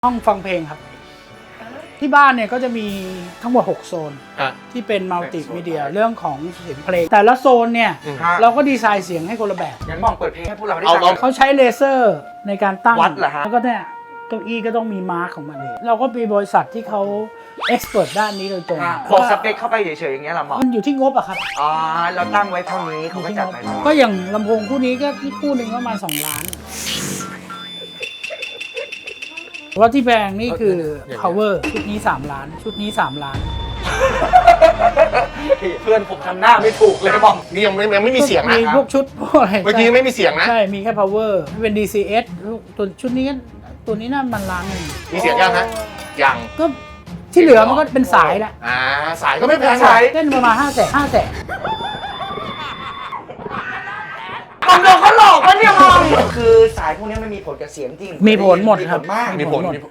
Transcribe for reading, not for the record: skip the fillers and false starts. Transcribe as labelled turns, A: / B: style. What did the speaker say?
A: ห้องฟังเพลงครับที่บ้านเนี่ยก็จะมีทั้งหมด6โซนที่เป็นมัลติมีเดียเรื่องของเสียงเพลงแต่ละโซนเนี่ยเราก็ดีไซน์เสียงให้คนละแบบ
B: งั้นมองเปิดเพลงให้พวกเราได้ฟัง
A: เขาใช้เลเซอร์ในการตั้ง
B: วัดเหรอฮะ
A: แล้วก็เนี่ยเก้าอี้ก็ต้องมีมาร์คของมันเราก็มีบริษัทที่เขาเอ็กซ์เพรสด้านนี้โดยตรง
B: บอกสเปคเข้าไปเฉยๆอย่างเงี้ยเหรอหมอ
A: มันอยู่ที่งบอะครับ
B: อ๋อเราตั้งไว้เท่านี้เขาก็จัดไปเลย
A: ก็อย่างลำโพงคู่นี้ก็คู่หนึ่งประมาณ2 ล้านว่าที่แพงนี่คือ power ชุดนี้3 ล้านชุดนี้3 ล้าน
B: เพื่อนผมทำหน้าไม่ถูกเลยบอก
C: นี่ยังไม่มีเสียงนะ
A: มีพวกชุดพวกอะไร
C: เมื่อกี้ไม่มีเสียงนะ
A: ใช่มีแค่ power เป็น DCS ตัวชุดนี้ก็ตัวนี้น่ามันล้านหนึ่ง
C: มีเสียงยังฮะยัง
A: ก็ที่เหลือมันก็เป็นสายแหละ
C: สายก็ไม่แพง
B: ใช่
A: เล่นประมาณ500,000
B: มองโดนเขาหลอกปะเนี่ยมองคือสายพวกนี้มันมีผลกับเสียงจริง
A: มีผลหมดครับ
B: มาก
C: มีผล